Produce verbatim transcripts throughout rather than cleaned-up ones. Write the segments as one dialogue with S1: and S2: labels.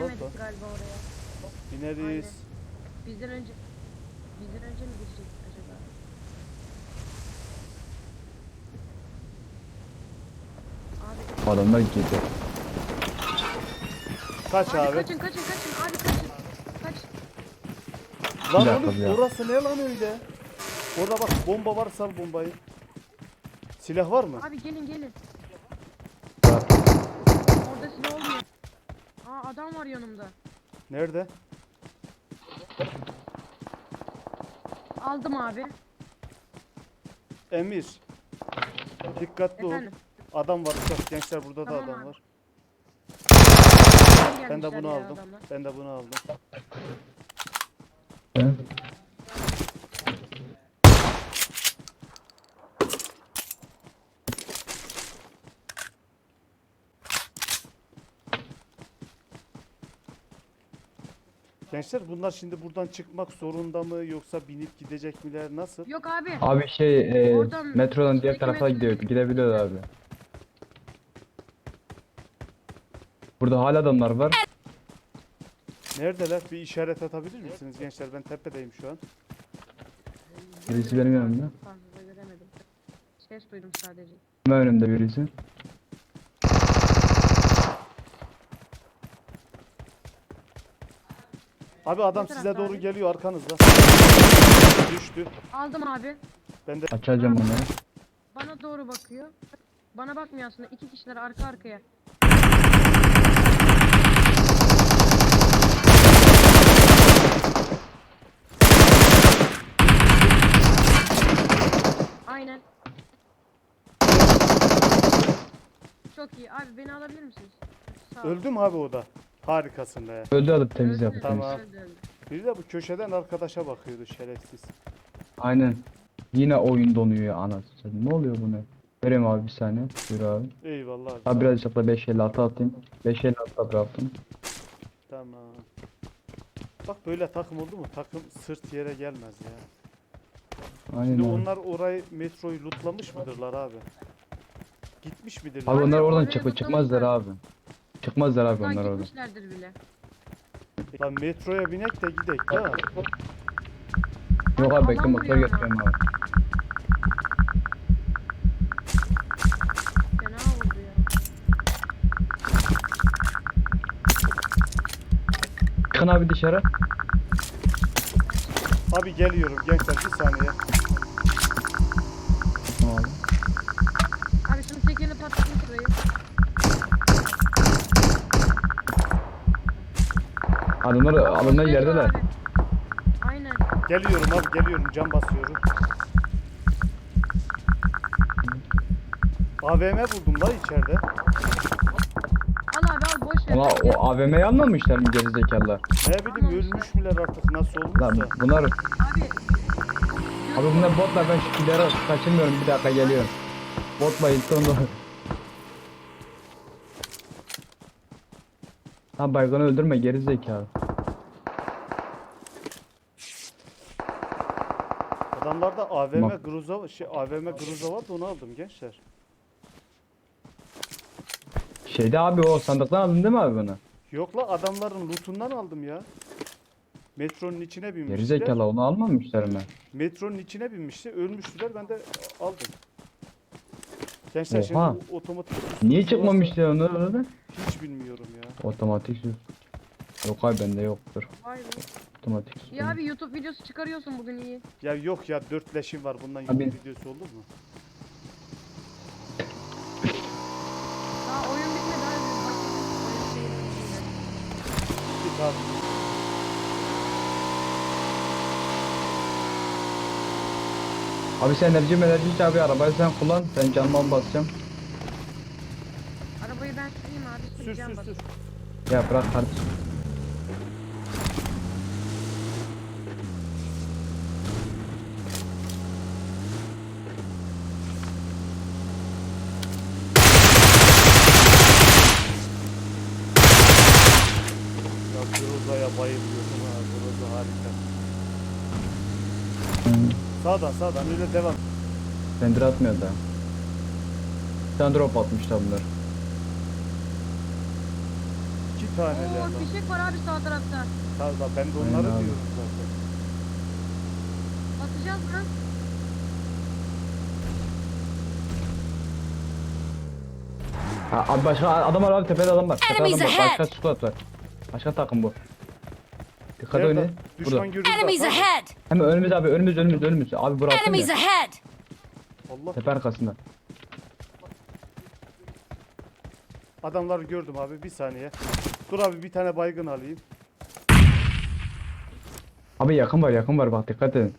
S1: Giremedik galiba oraya.
S2: Bineriz.
S1: Aynen. Bizden önce bizden önce mi girecek acaba? Abi,
S3: Adamlar girdi.
S2: Kaç
S1: abi,
S2: abi?
S1: kaçın kaçın kaçın abi kaçın. Kaç.
S2: Lan
S3: Bir dakika
S2: oğlum
S3: ya.
S2: orası ne lan öyle? Orada bak bomba var, sal bombayı. Silah var mı?
S1: Abi gelin gelin.
S3: Var.
S1: Orada silah olmuyor. Aa adam var yanımda.
S2: Nerede?
S1: Aldım abi.
S2: Emir. Dikkatli ol.
S1: Efendim.
S2: Adam var uçak. Gençler burada
S1: Tamam
S2: da adam
S1: abi.
S2: var.
S1: Geri
S2: Ben de
S1: gelmişler
S2: bunu
S1: ya
S2: aldım.
S1: adamlar.
S2: Ben de bunu aldım.
S3: He?
S2: Gençler bunlar şimdi buradan çıkmak zorunda mı yoksa binip gidecek miler, nasıl?
S1: Yok abi.
S3: Abi şey e,
S1: Oradan
S3: metrodan diğer
S1: içindeki
S3: tarafa
S1: metrodan
S3: gidiyor.
S1: gidip
S3: Gidebiliyor abi. Burada hala adamlar var.
S2: Neredeler? Bir işaret atabilir misiniz gençler? Ben tepedeyim şu an.
S3: Birisi benim yanımda.
S1: Fazla göremedim. Ses duydum sadece.
S3: Hemen önümde birisi.
S2: Abi adam
S1: Ne
S2: size
S1: tarafta
S2: doğru
S1: abi?
S2: geliyor arkanızda. Düştü.
S1: Aldım abi.
S2: Ben de
S3: Açacağım onları.
S1: Bana doğru bakıyor. Bana bakmıyor aslında. İki kişiler arka arkaya. Aynen. Çok iyi. Abi beni alabilir misiniz? Sağ ol.
S2: öldü mü abi o da? Harikasın be.
S3: Öldü alıp temiz
S1: Öldü,
S3: yaptı temiz.
S2: Tamam.
S1: öldü, öldü.
S2: Biri de bu köşeden arkadaşa bakıyordu şerefsiz.
S3: Aynen. Yine oyun donuyor ya anasını. Ne oluyor bu ne? Vereyim abi bir saniye. Buyur abi.
S2: Eyvallah abi.
S3: Abi birazcık da beş elli altı atayım. beş elli altı bıraktım.
S2: Tamam. Bak böyle takım oldu mu? Takım sırt yere gelmez ya.
S3: Aynen
S2: Şimdi
S3: abi.
S2: onlar orayı, metroyu lootlamış mıdırlar abi? Gitmiş midirler?
S3: Abi onlar oradan
S1: oraya
S3: çık
S1: zıplamışlar.
S3: çıkmazlar abi. Çıkmazlar abi
S1: Daha
S3: onlar oradan.
S1: gitmişlerdir bile.
S2: Lan metroya binek de gidek de.
S3: Yok abi
S1: alan
S3: bekle motor
S1: vuruyor ama.
S3: getiriyorum abi.
S1: Fena oldu ya.
S3: Çıkın abi dışarı.
S2: Abi geliyorum gençler bir saniye.
S3: Tamam abi.
S1: Abi şunu tekerini patlatın şurayı.
S3: Adamlar adamlar
S1: Şey var
S3: yerdeler.
S1: abi. Aynen.
S2: Geliyorum abi geliyorum, cam basıyorum. A V M buldum la içeride.
S1: Al abi al boş ver.
S3: Ama
S1: Gel.
S3: o A V M'yi almamışlar mı gerizekalılar?
S2: Ne bileyim ölmüş müler artık nasıl
S3: Lan
S2: olmuşsa.
S3: bunlar
S1: Abi.
S3: abi bunlar botlar, ben şu killeri kaçırmıyorum, bir dakika geliyorum. Bot bayıldı onu. Lan baygını öldürme gerizekalı.
S2: Adamlarda A V M
S3: Tamam.
S2: Groza şey A V M Groza vardı, onu aldım gençler.
S3: Şeyde abi o sandıktan aldın değil mi abi bunu?
S2: Yok la, adamların lootundan aldım ya. Metronun içine binmişler.
S3: Gerizekalı onu almamışlar mı?
S2: Metronun içine binmişti, ölmüştüler, ben de aldım. Gençler
S3: Oha.
S2: şimdi bu otomatik sus-
S3: Niye
S2: sus-
S3: çıkmamışlar onu orada?
S2: Hiç bilmiyorum ya.
S3: Otomatik sus. Yok abi bende yoktur.
S1: Vay be.
S3: Otomatik sus.
S1: Ya abi YouTube videosu çıkarıyorsun bugün iyi.
S2: Ya yok ya, dört leşim var, bundan
S3: Abi.
S2: YouTube videosu olur mu?
S1: Daha oyun bitmedi abi. Bak, oyun şeyi bitmedi.
S2: Git abi.
S3: Abi sen enerji enerji iç abi, arabayı sen kullan, ben canman basacağım.
S1: Arabayı ben süreyim abi.
S2: Sür
S1: Süreceğim
S2: sür
S1: bak.
S2: sür.
S3: Ya bırak kardeşim.
S2: Ya Groza'ya bayılıyorum ha. Groza harika. Sağdan sağdan öyle devam.
S3: Render atmıyor da. Bir tane drop atmışlar bunlar.
S2: Kit iki tane
S1: Oo
S2: geldi.
S1: fişek var abi sağ tarafta.
S2: Tabii da ben de
S3: Aynen
S2: onları
S3: abi.
S2: diyorum zaten.
S1: Atacağız mı?
S3: Ha, abi başka adam var abi, tepede adam var. Tepede adam
S4: Enemies
S3: var.
S4: ahead.
S3: Başka squad var. Başka takım bu. Dikkat
S2: Nerede?
S3: oynayın. Burada.
S2: Düşman görüldü.
S4: Enemies
S2: Tamam.
S4: ahead!
S3: Hemen önümüz abi, önümüz önümüz önümüz. Abi burası
S4: Enemies
S3: ya.
S4: ahead!
S2: Allah.
S3: Tepe arkasında.
S2: Adamları gördüm abi, bir saniye. Dur abi, bir tane baygın alayım.
S3: Abi yakın var, yakın var, bak dikkat edin.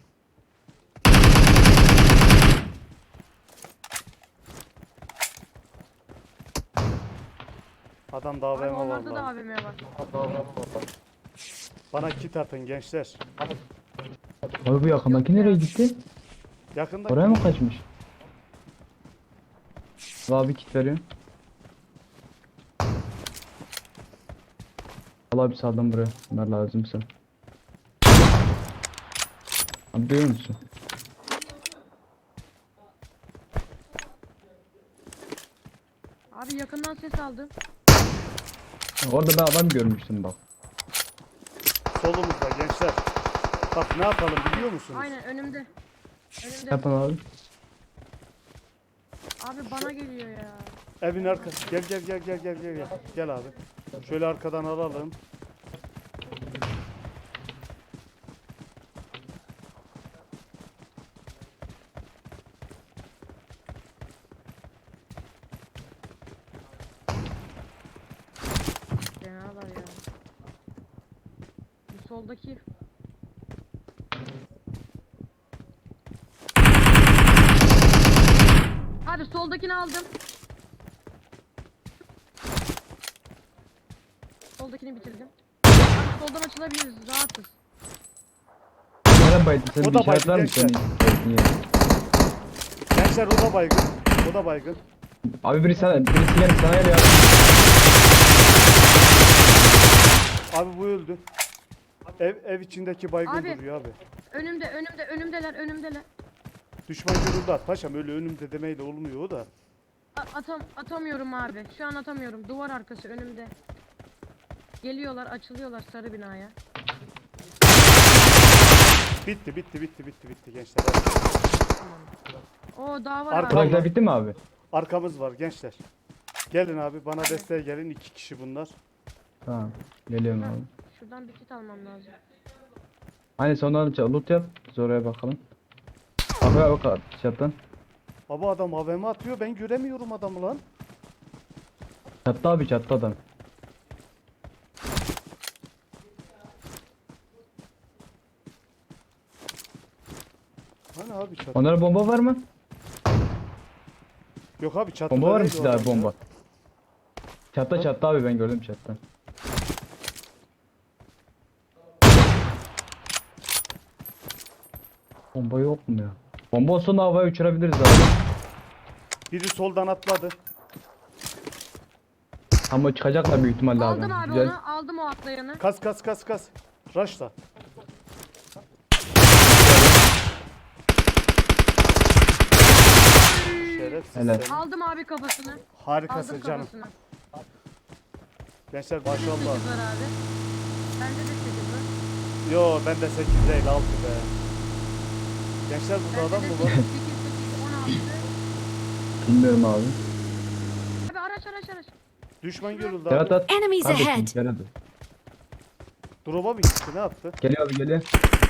S2: Adam da
S1: Abi
S2: A V M var
S1: onlarda da
S2: lan.
S1: A V M var.
S2: Bana kit atın gençler.
S3: Abi bu yakındaki nereye gitti?
S2: Yakında
S3: Oraya mı kaçmış? Abi kit veriyorum. Al abi sağdan buraya. Bunlar lazımsa. Abi duyuyor musun?
S1: Abi yakından ses aldım.
S3: Orada ben adam görmüştüm bak.
S2: solumuzda gençler. Bak ne yapalım biliyor musunuz?
S1: Aynen önümde. Önümde.
S3: Yapın abi.
S1: Abi bana geliyor ya.
S2: Evin arkası. Gel gel gel gel gel gel gel. Gel abi. Şöyle arkadan alalım.
S1: Fenalar ya. Bu soldaki. Abi soldakini aldım. Soldakini bitirdim. Abi soldan açılabiliriz. Rahatız.
S3: Nereye baydın sen?
S2: O
S3: Bir
S2: da
S3: işaret var
S2: baydı
S3: mı senin? Niye?
S2: Gençler o da baygın. O da baygın.
S3: Abi birisi sana, birisi gelip sana geliyor.
S2: Abi bu öldü. Ev ev içindeki baygın
S1: Abi.
S2: duruyor abi.
S1: Önümde, önümde, önümdeler, önümdeler.
S2: Düşman görüldü at. Paşam öyle önümde demeyle olmuyor o da.
S1: A- atam atamıyorum abi. Şu an atamıyorum. Duvar arkası önümde. Geliyorlar, açılıyorlar sarı binaya.
S2: Bitti bitti bitti bitti bitti gençler. Hadi.
S1: O daha var
S2: Arka-
S1: abi.
S3: Buradakiler bitti mi abi?
S2: Arkamız var gençler. Gelin abi bana desteğe gelin, iki kişi bunlar.
S3: Tamam. Geliyorum abi.
S1: Şuradan bir kit almam lazım.
S3: Hani sonradan loot yap. Biz oraya bakalım. Abi abi bak çattan.
S2: Abi adam A V M atıyor, ben göremiyorum adamı lan.
S3: Çattı abi, çattı adam.
S2: Hani abi çat.
S3: Onlara bomba var mı?
S2: Yok abi çatıda
S3: Bomba var mı
S2: değil o
S3: sizde abi,
S2: adam ya.
S3: bomba? Çatta çattı abi, ben gördüm çattan. Bomba yok mu ya? Bomba olsa da havaya uçurabiliriz abi.
S2: Biri soldan atladı.
S3: Ama çıkacaklar büyük ihtimalle abi.
S1: Aldım abi
S3: Güzel.
S1: onu. Aldım o atlayanı.
S2: Kas kas kas kas. Rush'la. Şerefsiz
S3: Helal.
S2: sen.
S1: Aldım abi kafasını.
S2: Harikasın
S1: Aldım
S2: canım.
S1: kafasını.
S2: Gençler
S1: Bende de
S2: maşallah.
S1: sekiz var abi. Bende de sekiz var.
S2: Yo bende sekiz değil altı be. Gençler burada
S1: Bende
S2: adam
S1: de
S2: mı
S1: sekiz,
S2: var?
S1: sekiz, sekiz, on altı.
S3: Bilmiyorum abi.
S1: Abi araç araç araç.
S2: Düşman görüldü
S3: Berat
S2: abi.
S3: at.
S4: Enemies
S3: Kardeşim,
S4: ahead!
S3: Berat at.
S2: Drop'a mı gitti ne yaptı?
S3: Geliyor abi, geliyor.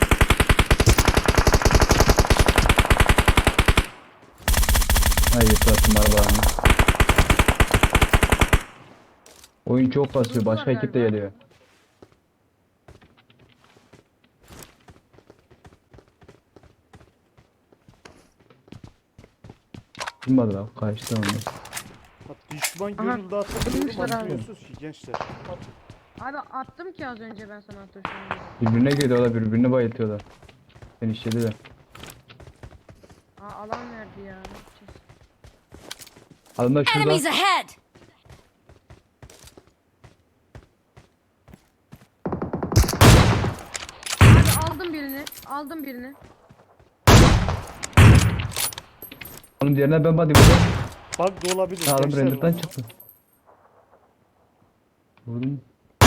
S3: Hayır yıprattım arabalarını. Oyun çok basıyor. Başka
S1: Durdular
S3: ekip de
S1: galiba.
S3: geliyor. Bilmadı abi, kaçtı onu.
S2: Bak, düşman
S1: Aha,
S2: görüldü atıyor.
S1: durmuşlar abi.
S2: Atmıyorsunuz ki gençler.
S1: Abi attım ki az önce ben sana atmışım.
S3: Birbirine giriyorlar, birbirine bayıltıyorlar. Beni işlediler.
S1: Aa alan verdi ya. Ne yapacağız?
S3: Adamlar şurada.
S4: Enemies ahead!
S1: Abi aldım birini. Aldım birini.
S3: Onun diğerine ben body vurdum.
S2: Bug da olabilir
S3: Adam
S2: gençler.
S3: render'dan çıktı. Vurdum.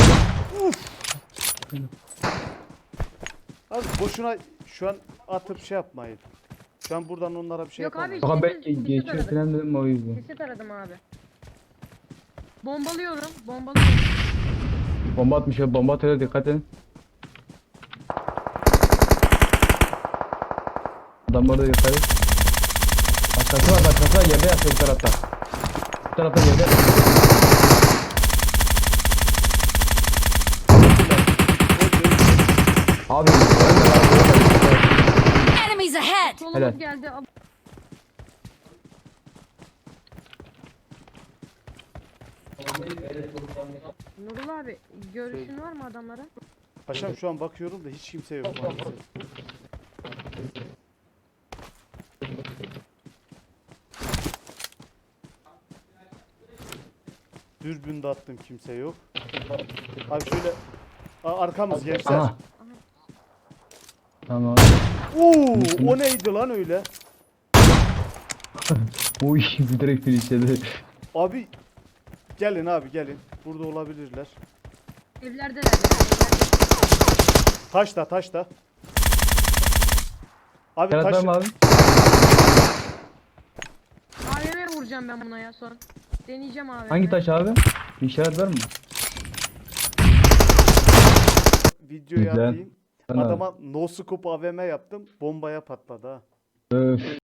S2: Abi boşuna şu an atıp şey yapmayın. Şu an buradan onlara bir şey
S1: Yok abi,
S2: yapamayız.
S3: Bak ben
S1: Kesin- kesin
S3: geçiyor
S1: aradık.
S3: falan dedim o yüzden.
S1: Kesit aradım abi. Bombalıyorum. Bombalıyorum.
S3: Bomba atmış ya, bomba atıyor, dikkat edin. Adam orada yukarı. Başkası var, başkası var, yerde yatıyor bu tarafta. Bu tarafta yerde yatıyor. Abi
S4: Enemies ahead!
S1: Solumuz
S3: Helal.
S1: geldi. Al- Nurul abi görüşün var mı adamlara?
S2: Paşam şu an bakıyorum da hiç kimse yok maalesef. Dürbün de attım, kimse yok. Abi şöyle Aa, arkamız gençler.
S3: aha. Tamam.
S2: Oo, o neydi lan öyle?
S3: Uy bir direkt finişledi.
S2: Abi gelin abi gelin. Burada olabilirler.
S1: Evlerdeler. Evlerde.
S2: Taşta taşta. Abi
S3: Serhat var
S2: taş
S3: mı abi?
S1: A V M vuracağım ben buna ya son. Deneyeceğim abi.
S3: Hangi taş abi? Bir işaret var mı?
S2: videoyu
S3: Güzel.
S2: atayım.
S3: Tamam.
S2: Adama no scope A V M yaptım. Bombaya patladı ha.
S3: Öf.